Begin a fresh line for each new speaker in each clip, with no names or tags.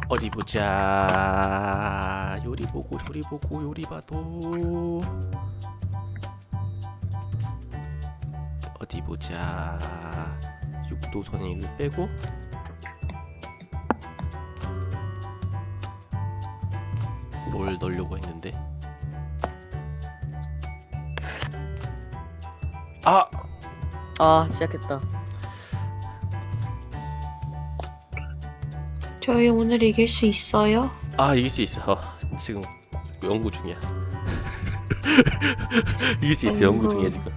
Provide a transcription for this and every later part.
어디 보자. 요리 보고 조리 보고 요리 봐도. 어디 보자. 6도선의 1을 빼고 뭘 넣으려고 했는데.
시작했다.
저희 오늘 이길 수 있어요?
이길 수 있어. 지금 연구 중이야. 이길 수 있어. 연구 중이야 지금.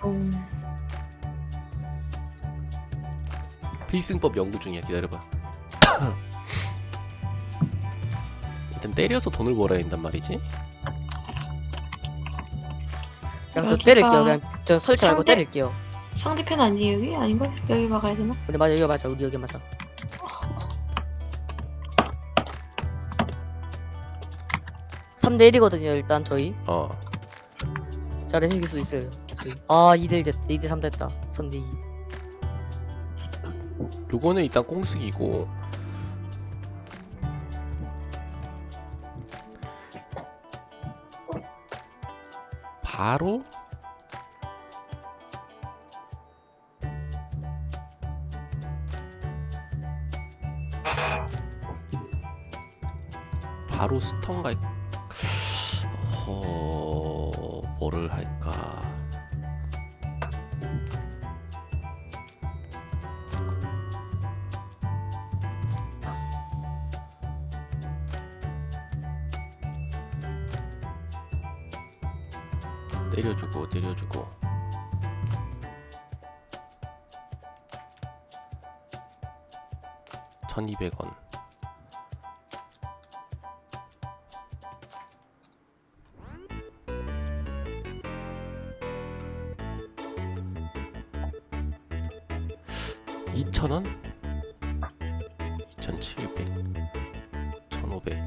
필승법 연구 중이야. 기다려봐. 일단 때려서 돈을 벌어야 된단 말이지.
그냥 저
여기가-
때릴게요. 그냥 저 설치 말고
상대-
때릴게요.
상대편 아니에요 여기? 아닌가? 여기 막아야 되나?
우리 맞아, 여기 맞아, 우리 여기 맞아. 3대 1이거든요. 일단 저희 잘해 이길 수 있어요. 저희. 2대 1 됐다. 2대 3 됐다. 3대 2.
요거는 일단 꽁승이고. 바로 스턴 갈. 뭐를 할까? 때려주고 1200원. $2,000원? 2,700 1,500.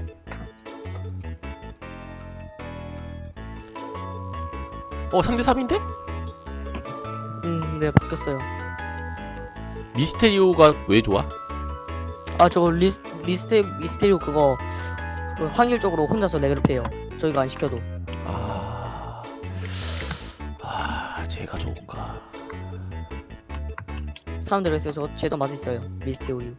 3대 3인데?
네, 바뀌었어요.
미스테리오가 왜 좋아?
저거 미스테리오 그거 확률적으로 혼자서 레벨업해요. 저희가 안 시켜도.
제가 좋을까?
사람들이 있어요. 저 쟤도 맛있어요. 미스테리오.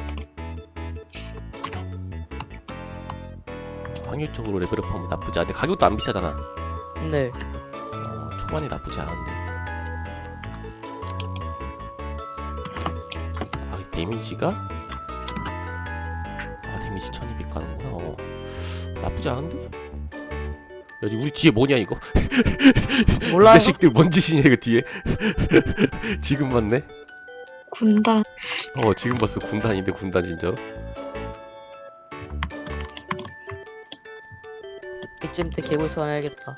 확률적으로 레벨업하면 나쁘지 않은데 가격도 안 비싸잖아.
네.
초반에 나쁘지 않은데. 데미지가? 데미지 1200 가는구나. 나쁘지 않은데? 여기 우리 뒤에 뭐냐 이거?
몰라요.
이 자식들 뭔 짓이냐 이거 뒤에. 지금 봤네.
군단.
지금 봤어. 군단인데 군단 진짜로.
이쯤 때 개굴 소환해야겠다.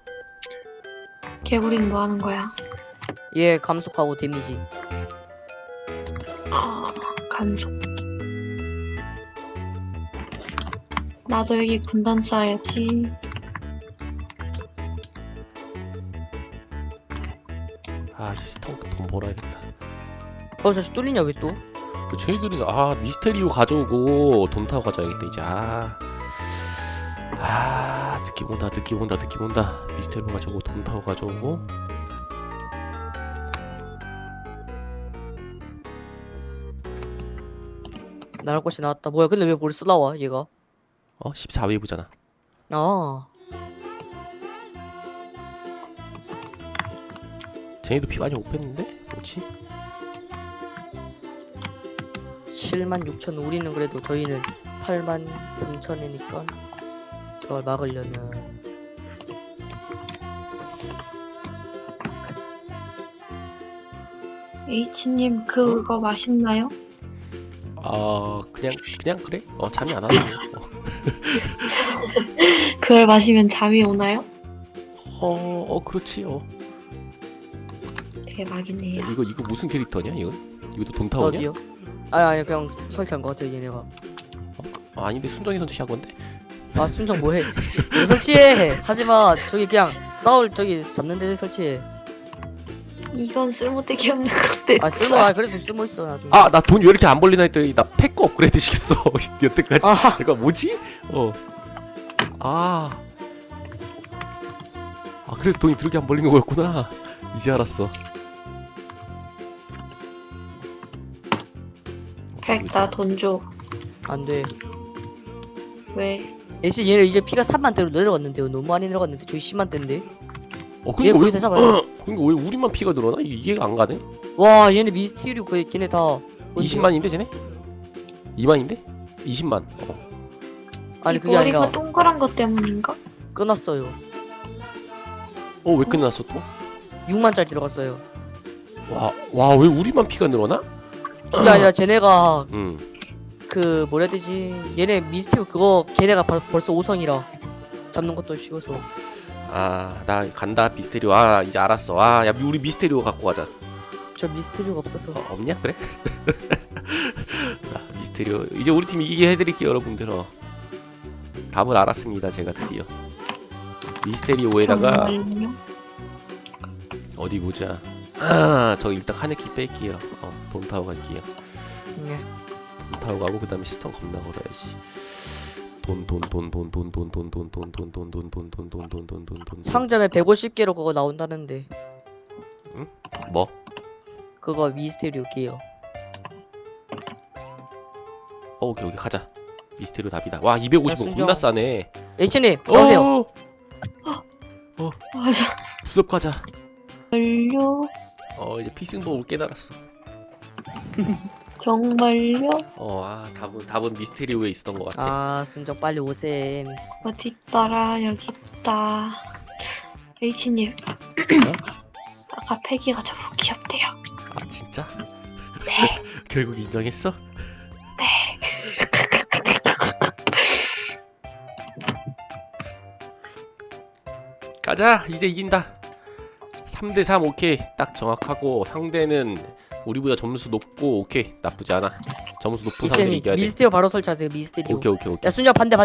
개구리는 뭐 하는 거야?
얘 감속하고 데미지.
감속. 나도 여기 군단 쌓아야지.
스턴 돈 벌어야겠다.
저씨 뚫리냐 왜 또?
쟤희들은 미스테리오 가져오고 돈 타고 가져야겠다 이제. 느낌 온다. 미스테리오 가져오고 돈 타고 가져오고.
나갈 곳이 나왔다. 뭐야? 근데 왜 벌써 나와 얘가?
14웨이브잖아. 쟤네도 피 많이 못 뺐는데? 뭐지?
76,000. 우리는 그래도 저희는 83,000이니까 저걸 막으려면
H님 그거 맛있나요?
그냥 그래? 잠이 안 와서.
그걸 마시면 잠이 오나요?
그렇지.
대박이네요.
이거 무슨 캐릭터냐 이거? 이것도 돈 타오냐?
어디요? 아니 그냥 설치한 거 같아요 얘네가.
아닌데 순정이 선택한 건데?
순정 뭐해? 왜 설치해? 하지마. 저기 그냥 싸울 저기 잡는 데 설치해.
이건 쓸모되기 없는 건데.
그래도 쓸모 있어 나중에.
아 나 돈 왜 이렇게 안 벌리나 했더니 나 팩거 업그레이드 시켰어. 여태까지.
아.
내가 뭐지? 그래서 돈이 그렇게 안 벌리는 거였구나. 이제 알았어.
백, 나 돈 줘.
안돼.
왜?
애시 얘는 이제 피가 3만대로 내려갔는데요. 너무 많이 내려갔는데 저희 10만대인데. 얘
그러니까
거의 다 잡아요.
그러니까 왜 우리만 피가 늘어나? 이게 이해가 안 가네.
와 얘네 미스티리오 걔네 다
20만인데 쟤네? 2만인데? 20만.
아니
이
그게
머리가
아니라
동그란 것 때문인가?
끊었어요.
왜 끝났어 또?
6만짜리 들어갔어요.
와 왜 우리만 피가 늘어나?
그게 아니라 쟤네가
응.
그 뭐라 해야 되지? 얘네 미스티리오 그거 걔네가 벌써 5성이라 잡는 것도 쉬워서.
나 간다 미스테리오. 이제 알았어. 야 우리 미스테리오 갖고 가자.
저 미스티리오가 없어서.
없냐? 그래? 미스테리오 이제 우리 팀 이기게 해드릴게요 여러분들. 답을 알았습니다 제가 드디어. 미스테리오에다가
정말요?
어디 보자. 저 일단 카네키 뺄게요. 돈 타고 갈게요.
네.
돈 타고 가고 그 다음에 스턴 겁나 걸어야지. 돈
상점에 150개로 그거 나온다는데.
뭐?
그거 미스테리오 게요.
오케이 가자. 미스테리오 답이다. 와 250원
순정.
겁나 싸네.
H님 나오세요.
맞아.
부섭 가자.
정말요?
이제 필승법을 깨달았어.
정말요?
답은 미스테리오에 있었던 것 같아.
순정 빨리 오셈.
어디 있더라? 여기 있다. H님. 아까 패기가 저보고 귀엽대요.
진짜?
네.
결국 인정했어? 가자. 이제 이긴다. 3대3 오케이. 딱 정확하고 상대는 우리보다 점수 높고 오케이. 나쁘지 않아. 점수 높은 상대를
H님
이겨야 돼.
미스테리오 바로 설치하세요. 미스테리오.
오케이.
야 순정 반대.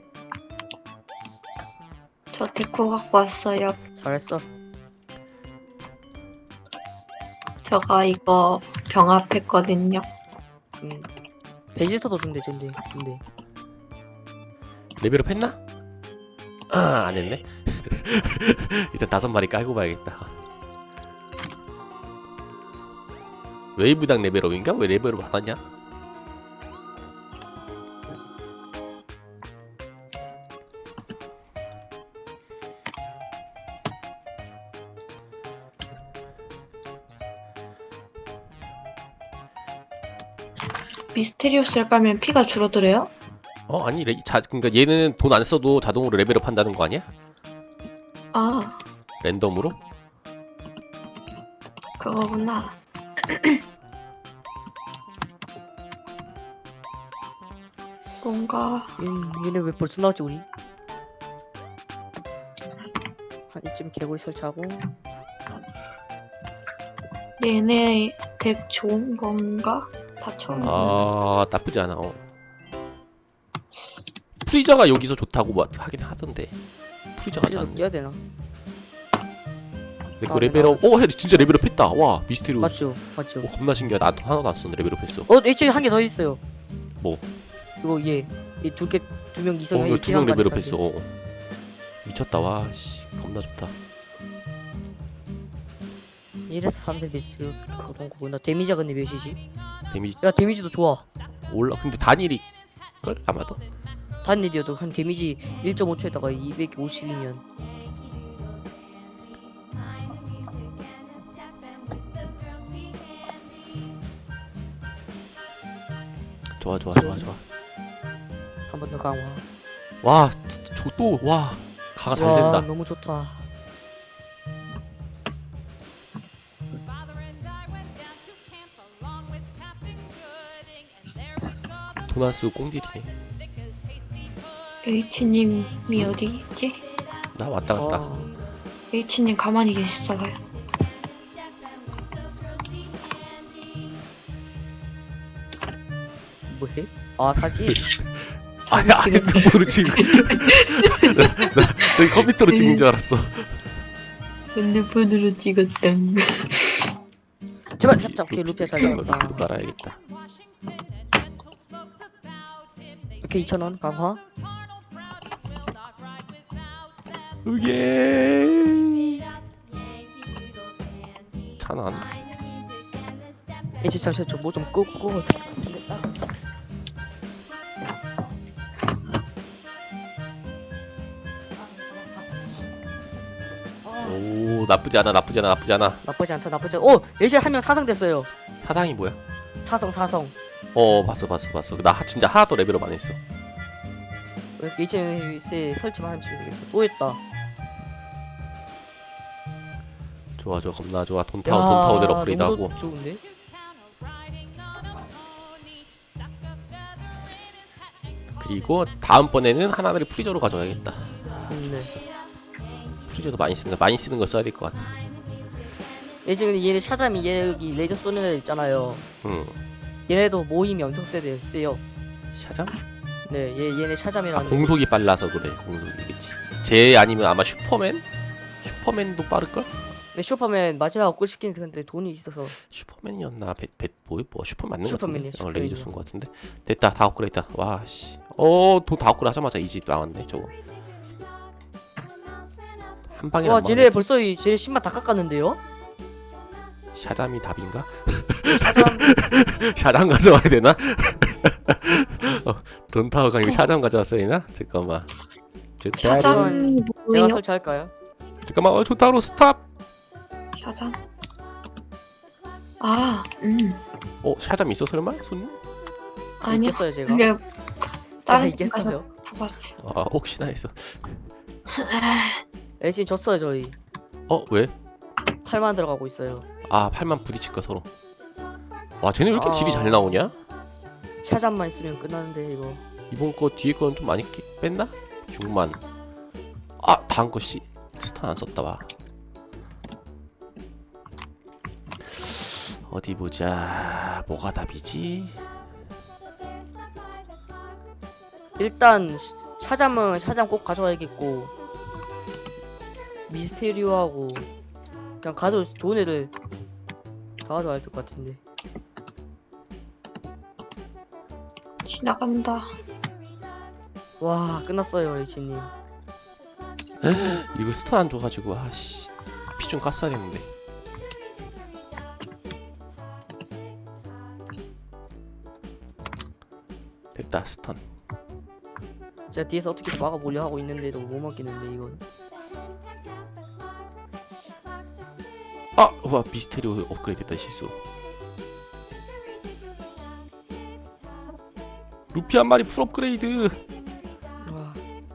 저 데코 갖고 왔어요.
잘했어.
제가 이거 병합했거든요.
베지터도 좀 되던데. 근데
레벨업 했나? 안 했네. 일단 5마리 깔고 봐야겠다. 웨이브당 레벨업인가? 왜 레벨업 안 하냐?
미스테리오스를 깔면 피가 줄어들어요?
아니 그러니까 얘는 돈 안 써도 자동으로 레벨업 한다는 거 아니야?
아,
랜덤으로?
그거구나. 뭔가
얘네 왜 벌써 나왔지 우리? 한 이쯤 개구리 설치하고.
얘네 덱 좋은 건가? 다 처음.
나쁘지 않아. 프리저가 여기서 좋다고 뭐 하긴 하던데. 프리저가
이제도
안.
뛰어야 되나?
내거 레벨업. 진짜 레벨업 했다. 와 미스테리오.
맞죠.
겁나 신기하다. 나도 하나도 안 썼는데 레벨업 했어.
H에 한 개 더 있어요.
뭐?
이거 두 명 이상
이거 2명 레벨업 했어. 미쳤다. 와 씨. 겁나 좋다.
이래서 3대 베스트 거동구나. 데미지가 근데 몇이지?
데미지
야 데미지도 좋아.
올라. 근데 단일이 걸 아마도.
단일이어도 한 데미지 1.5초에다가 250이면
좋아.
한 번 더 강화.
와 또 와 가가 잘 된다.
너무 좋다.
돈 안 쓰고 꽁딜이네.
H님이 어디 있지?
나 왔다 갔다.
H님 가만히 계시어요.
뭐해? 사실
아니 핸드폰으로 지금 나 컴퓨터로 찍은 줄 알았어.
핸드폰으로 찍었다.
제발 잡자. 오케이 루피야 잘 잡았다.
루피도 깔아야겠다.
오케이 2,000원 강화.
오케이. 찬원.
이제 잠시만 저뭐좀 끄고.
오 나쁘지 않아 나쁘지 않아 나쁘지 않아.
나쁘지 않다 나쁘지 않. 오 예시 한명 사성 됐어요.
사상이 뭐야?
사성.
봤어. 나 진짜 하나도 레벨업 안 했어.
이제 설치만 하면 되겠다. 또 했다.
좋아 겁나 좋아. 돈 타워들 업그레이드하고.
너무 좋은데?
그리고 다음번에는 하나를 프리저로 가져가야겠다.
네.
프리저도 많이 쓰는 거 써야 될 것 같아.
예전에 얘네 샤잠이 얘 여기 레이저 쏘는 애 있잖아요. 얘네도 모임이 엄청 세요.
샤잠?
네, 얘네 샤잠이라는.
공속이 빨라서 그래. 공속이겠지. 쟤 아니면 아마 슈퍼맨? 슈퍼맨도 빠를걸?
네, 슈퍼맨 마지막 업글 시키는데 근데 돈이 있어서.
슈퍼맨이었나? 뭐 슈퍼 맞는 거
슈퍼맨이야,
같은데? 레이저
슈퍼맨이야.
쏜 거 같은데? 됐다 다 업그레이드. 와씨. 돈 다 업그레이드 하자마자 이집 나왔네 저거. 한 방에
와,
안
쟤네
막았지.
벌써 쟤네 신발 다 깎았는데요?
샤잠이 답인가?
샤잠.
샤잠 가져와야 되나? 돈 타워가 아니고 샤잠 가져왔어야 되나? 잠깐만.
샤잠이
제가
뭐예요?
설치할까요?
잠깐만. 좋다로 스탑.
샤잠. 아,
샤잠 있어 설마? 손님?
아니요.
있겠어요 제가.
그게
제가
다른
있겠어요.
봐봤어.
혹시나 해서.
애신 졌어요 저희.
왜?
8만 들어가고 있어요.
팔만 부딪힐까 서로. 와 쟤네 왜 이렇게 딜이
아.
잘 나오냐?
샤잠만 있으면 끝나는데 이거.
이번 거 뒤에 거는 좀 많이 뺐나? 6만. 다음 거 스탄 안 썼다 와. 어디 보자. 뭐가 답이지?
일단 샤잠은 샤잠 꼭 가져와야겠고 미스테리오하고 그냥 가도 좋은 애들 다 가져와야 될 것 같은데.
지나간다.
와 끝났어요 이치님.
이거 스탄 안 줘가지고 피 좀 깠어야 되는데. 됐다 스턴.
제가 뒤에서 어떻게 막아보려 하고 있는데도 못 막히는데 이건.
와 미스테리오 업그레이드 됐다 실수. 루피 한 마리 풀 업그레이드.
와.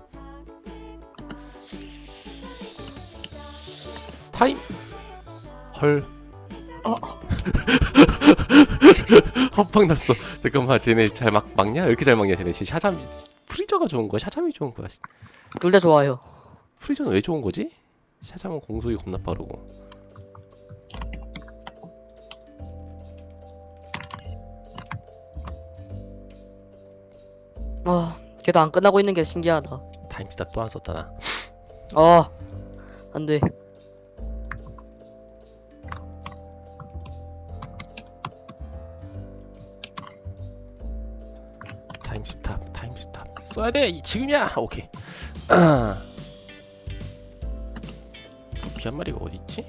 타임. 헐. 헛방 났어. 잠깐만 쟤네 잘 막냐? 왜 이렇게 잘 막냐 쟤네. 지금 샤잠 프리저가 좋은 거야? 샤잠이 좋은 거야?
둘 다 좋아요.
프리저는 왜 좋은 거지? 샤잠은 공속이 겁나 빠르고.
걔도 안 끝나고 있는 게 신기하다.
타임스탑 또 안 썼다 나.
안 돼.
타임스탑 써야 돼. 지금이야. 오케이. 루피 한 마리가 어디 있지?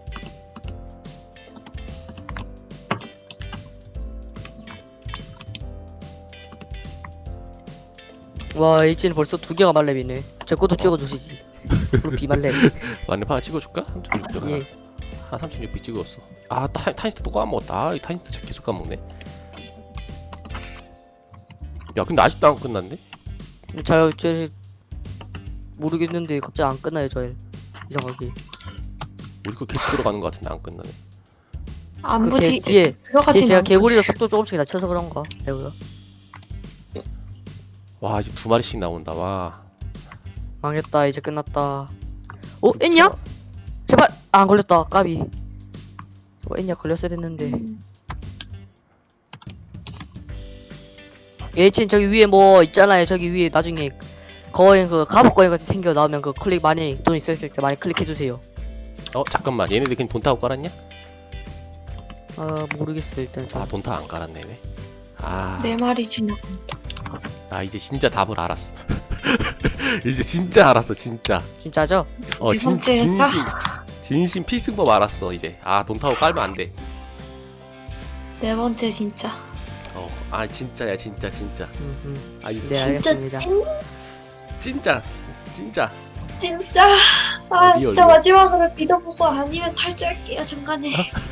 와 H는 벌써 2개가 말렙이네. 제 것도 찍어주시지. 루피 말렙.
만렙 찍어줄까? 3,600
예.
3,600 찍었어. 타임스탑 또 까먹었다. 이 타임스탑 계속 까먹네. 야 근데 아직도 안 끝났네?
제 모르겠는데 갑자기 안 끝나요 저 이상하게.
우리 거 계속 들어가는 거 같은데 안 끝나네.
안부
뒤에 뒤에
들어가진
제가
않고
개구리가
있어.
속도 조금씩 낮춰서 그런가? 배우가
와 이제 2마리씩 나온다. 와.
망했다. 이제 끝났다. 엔냐? 제발 안 걸렸다. 까비. 엔냐 걸렸어야 됐는데. H는 저기 위에 뭐 있잖아요. 저기 위에 나중에 거인 그 갑옷 거인 같이 생겨 나오면 그 클릭 많이 돈 있을 때 많이 클릭해 주세요.
잠깐만 얘네들 그냥 돈 타고 깔았냐?
아 모르겠어요 일단 저.
아 돈타 안 깔았네. 아,
네 마리 지나간다.
나 이제 진짜 답을 알았어. 이제 진짜 알았어 진짜.
진짜죠?
네 번째가?
진심 필승법 알았어 이제. 아 돈타고 깔면 안 돼.
네 번째 진짜.
아 진짜야 진짜. 아 이제
네
진짜
알겠습니다.
진짜.
진짜. 아
리얼,
진짜
리얼.
마지막으로 믿어보고 아니면 탈주할게요 중간에.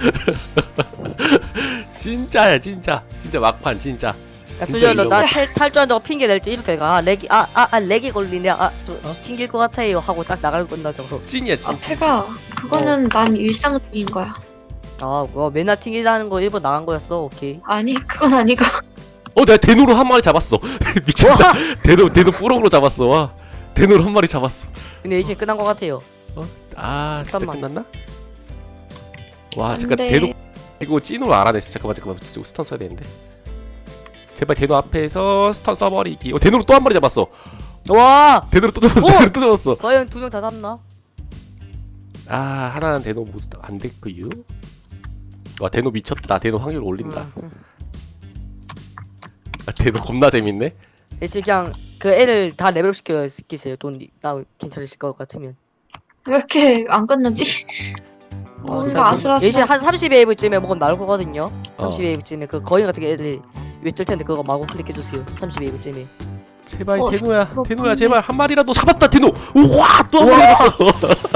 진짜야 진짜 막판 진짜.
야
진짜
수지야 너나
이거.
탈주한다고 핑계 낼 때 이렇게 가 렉이 렉이 걸리네 아저 튕길 것 같아요 하고 딱 나갈 건다 저거.
찐이야 찐.
앞에가 그거는 난 일상적인 거야.
아 그거 맨날 튕기다는 거 일본 나간 거였어. 오케이.
아니 그건 아니고.
내가 대노로 한 마리 잡았어. 미쳤다. 대노 뿌럭으로 잡았어. 와. 대노로 한 마리 잡았어.
근데 이제 끝난 것 같아요.
아 진짜
13만.
끝났나? 와
안
잠깐
돼.
대노 이거 찐으로 알아냈어. 잠깐만 진짜 스턴 써야 되는데. 제발 대노 앞에서 스턴 써버리기. 대노로 또 한 마리 잡았어.
와
대노로 또 잡았어.
오!
대노로 또 잡았어.
과연 2명 다 잡나?
아 하나는 대노 모습 안 됐고요. 와 대노 미쳤다. 대노 확률 올린다. 아, 대노 겁나 재밌네.
이제 그냥 그 애를 다 레벨업 시키세요. 돈 나 괜찮으실 것 같으면.
왜 이렇게 안 끝나지? 뭔가 아슬아슬.
이제 한 30웨이브쯤에 먹으면 나올 거거든요.
어.
30웨이브쯤에 그 거인 같은 게 애들이 왜 뜰 텐데 그거 마구 클릭해 주세요. 30웨이브쯤에.
제발
어,
대노야
그렇군요.
제발 한 마리라도 잡았다 대노. 우와 또 한 마리 잡았어.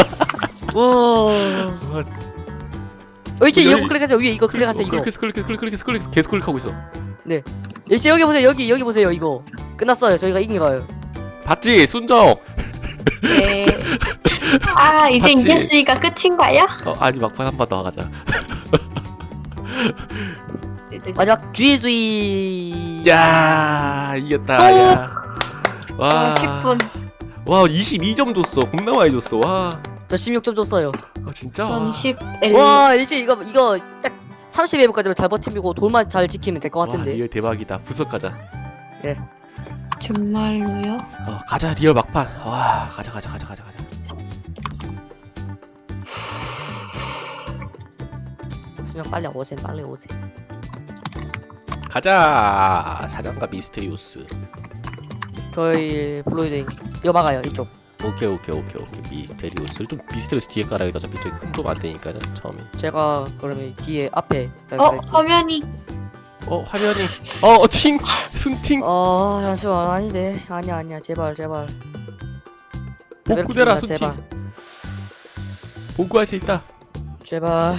와. 이제
여기-
이거 클릭하세요. 위에 이거 클릭하세요. 이거.
클릭 계속 클릭하고 있어.
이제 여기 보세요. 여기 보세요. 이거 끝났어요. 저희가 이긴 거예요.
봤지 순정.
네. 아 이제
봤지?
이겼으니까 끝인가요?
아니 막판 한 번 더 하자.
마지막 쥐쥐.
야 이겼다.
쏙!
야. 와.
10분.
와 22점 줬어. 겁나 많이 줬어. 와.
저 16점 줬어요.
진짜.
전 11.
와 이제 이거 딱 30웨이브까지만 잘 버티고 돌만 잘 지키면 될 것
와
같은데.
리얼 대박이다. 부석 가자.
정말로요?
가자 리얼 막판. 와 가자.
그냥 빨리 오세요.
가자. 사장과 미스테리우스.
저희 블로이드 이거 막아요. 이쪽.
오케이. 미스테리우스를 좀 미스테리우스 뒤에 깔아야겠다. 어차피 저기 큰 도움 안 되니까 처음에.
제가 그러면 뒤에 앞에.
화면이.
화면이. 팅 순팅.
잠시만 아닌데 아니야 제발
복구되라
제발,
순팅. 복구할 수 있다.
제발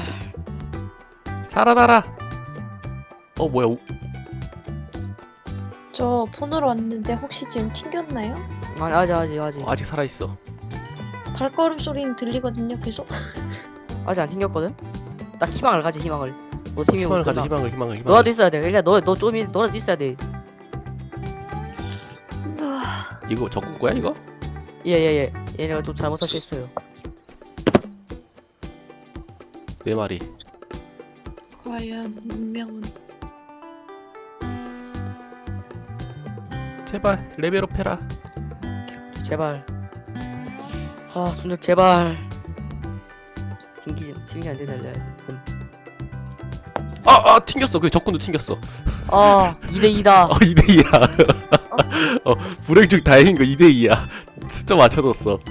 살아나라. 뭐야?
저 폰으로 왔는데 혹시 지금 튕겼나요?
아니 아직
아직 살아 있어.
발걸음 소리는 들리거든요 계속.
안 튕겼거든. 딱 희망을 가지 희망을. 너 팀이
희망을
못
가자.
끝나.
희망을.
너라도 있어야 돼. 그러니까 너라도 있어야 돼.
이거 적군 거야 이거?
예. 얘네가 또 잘못 설치했어요.
네 마리.
과연 운명은.
제발 레벨업 해라.
제발. 순혁 제발. 튕기면 안 되나?
튕겼어. 그 적군도 튕겼어.
2대2다.
2대2야. 불행 중 다행인 거 2대2야. 숫자 맞춰줬어.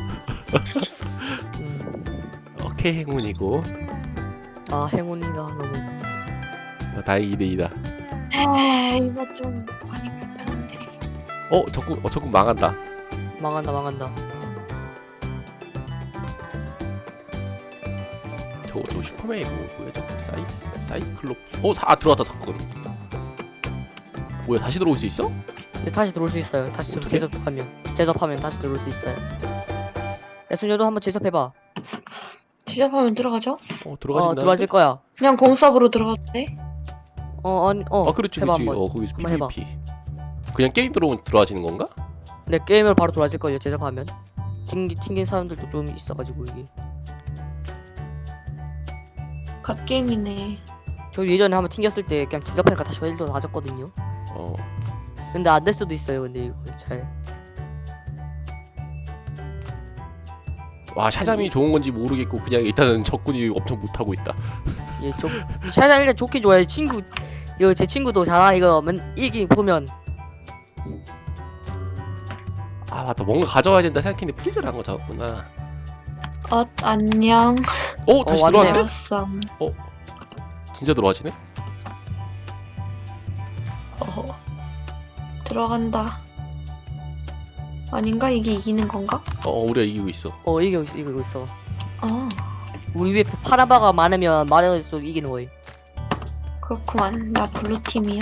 오케이 행운이고.
행운이다 너무.
다행히 2대2다.
이거 좀 많이 불편한데.
적군 망한다.
망한다.
저 슈퍼맨이 뭐야 저거 사이클롭. 들어왔다 적군. 뭐야 다시 들어올 수 있어?
근데 다시 들어올 수 있어요. 다시 좀
어떡해?
제접하면 다시 들어올 수 있어요. 야 순혁도 한번 제접해봐.
시작하면 들어가죠?
들어가신다.
들어와질 거야.
그냥 공수업으로 들어가도 돼?
그렇지.
해봐, 한번.
거기서
한번 해봐.
PVP. 그냥 게임 들어오면 들어와지는 건가?
근데 게임을 바로 들어와질 거예요. 제접하면. 튕긴 사람들도 좀 있어가지고 이게.
갓게임이네.
저 예전에 한번 튕겼을 때 그냥 제접하니까 다시 헬로 나졌거든요. 근데 안 될 수도 있어요. 근데 이거 잘.
와 샤잠이 좋은 건지 모르겠고 그냥 일단은 적군이 엄청 못하고 있다.
예, 샤잠 일단 좋긴 좋아요. 친구 이거 제 친구도 잘하 이거 이기 보면
아 맞다 뭔가 가져와야 된다 생각했는데 프리즈를 한 거 잡았구나.
안녕.
다시
왔네요.
들어왔네?
알았어.
진짜 들어와지네?
들어간다. 아닌가? 이게 이기는 건가?
우리가 이기고 있어.
이기고 있어.
아,
우리 위에 파란 바가 많으면 많을수록 이기는 거예요.
그렇구만. 나 블루 팀이야.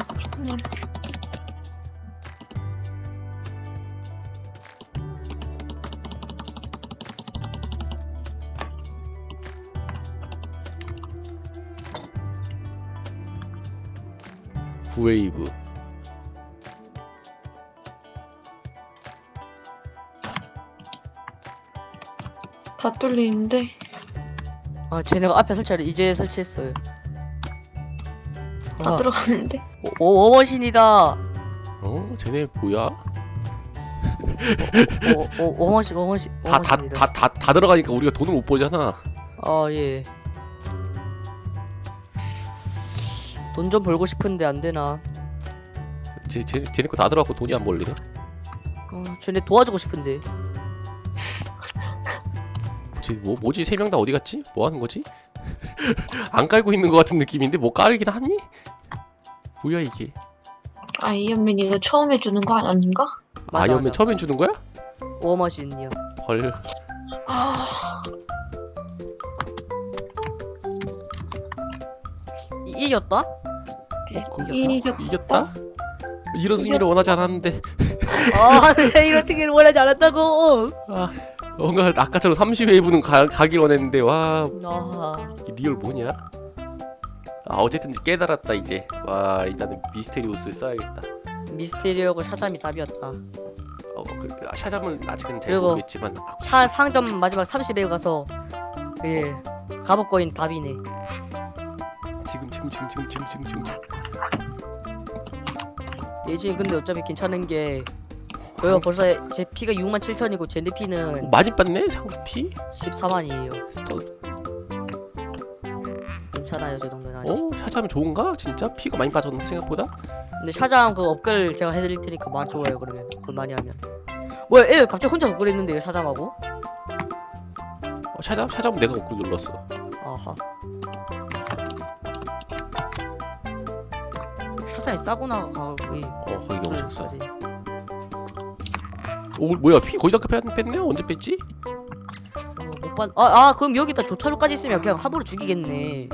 구웨이브.
다 뚫리는데.
아 쟤네가 앞에 설치를 이제 설치했어요.
다 들어갔는데.
워머신이다.
쟤네 뭐야?
워머신.
다 들어가니까 우리가 돈을 못 벌잖아.
아 예. 돈 좀 벌고 싶은데 안 되나?
쟤네 거 다 들어가고 돈이 안 벌리나?
쟤네 도와주고 싶은데.
뭐지? 세 명 다 어디 갔지? 뭐 하는 거지? 안 깔고 있는 것 같은 느낌인데 뭐 깔긴 하니? 뭐야 이게?
아이언맨 이거 처음 해주는 거 아닌가?
맞아,
아이언맨
맞아.
처음엔 주는 거야?
워머신이요.
헐.
아,
이겼다?
이겼다? 이런 승리를 원하지 않았는데.
아, 네, 이런 특기를 원하지 않았다고.
뭔가 아까처럼 30웨이브는 가길 원했는데 와
아,
이 리얼 뭐냐? 어쨌든 깨달았다 이제. 와 일단은 미스테리우스 써야겠다.
미스테리오고 샤잠이 답이었다.
샤잠은 아직은 잘
그리고
모르겠지만
상점 마지막 30에 가서 예 갑옷거인 답이네.
지금
예진 근데 어차피 괜찮은 게 저희가 벌써 제 피가 67,000이고 제 피는
많이 빻네 상피.
14만이에요. 괜찮아요 저 정도는 아직.
샤잠이 좋은가? 진짜 피가 많이 빠졌는데 생각보다.
근데 샤잠 그 업글 제가 해드릴 테니까 많이 좋아요 그러면 그걸 많이 하면. 뭐야 얘 갑자기 혼자 업글 했는데요 샤잠하고?
샤잠은 내가 업글 눌렀어.
아하. 샤잠이 싸구나 가격이.
거기 엄청 싸. 뭐야 피 거의 다 뺐네? 언제 뺐지?
못 봤. 그럼 여기다 조타로까지 있으면 그냥 함부로 죽이겠네.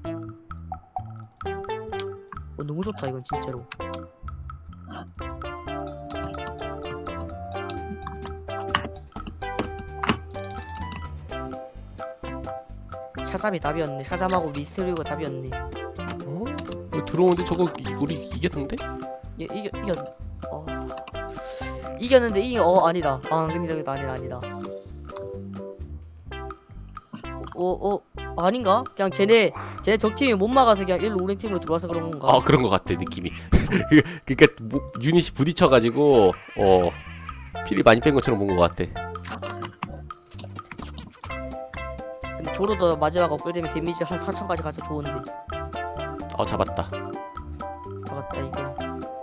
너무 좋다 이건 진짜로. 샤잠이 답이었네. 샤잠하고 미스테리오가 답이었네.
들어오는데 저거 우리 이겼는데?
이겼는데 아니다. 근데 아니다. 아닌가? 그냥 쟤네 적팀이 못 막아서 그냥 일로 우리 팀으로 들어와서 그런 건가?
그런 거 같아 느낌이. 그러니까 유닛이 부딪혀가지고 피를 많이 뺀 것처럼 본 것 같아.
근데 조로도 마지막 업글 되면 데미지 한 4,000까지 가서 좋은데.
잡았다.
잡았다 이거.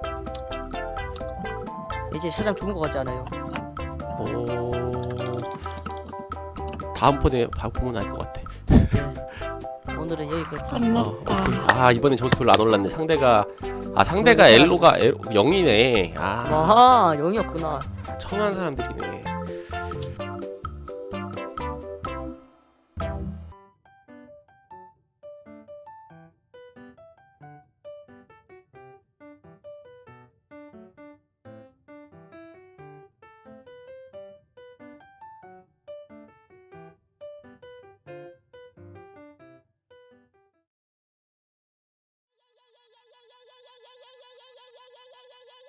이제 샤잠 죽은 거 같지 않아요?
다음번에 보면 알 것 같아.
오늘은 여기까지.
끝났다.
이번엔 점수 별로 안 올랐네. 상대가 엘로가 0이네.
아하 0이었구나.
청한 사람들이네.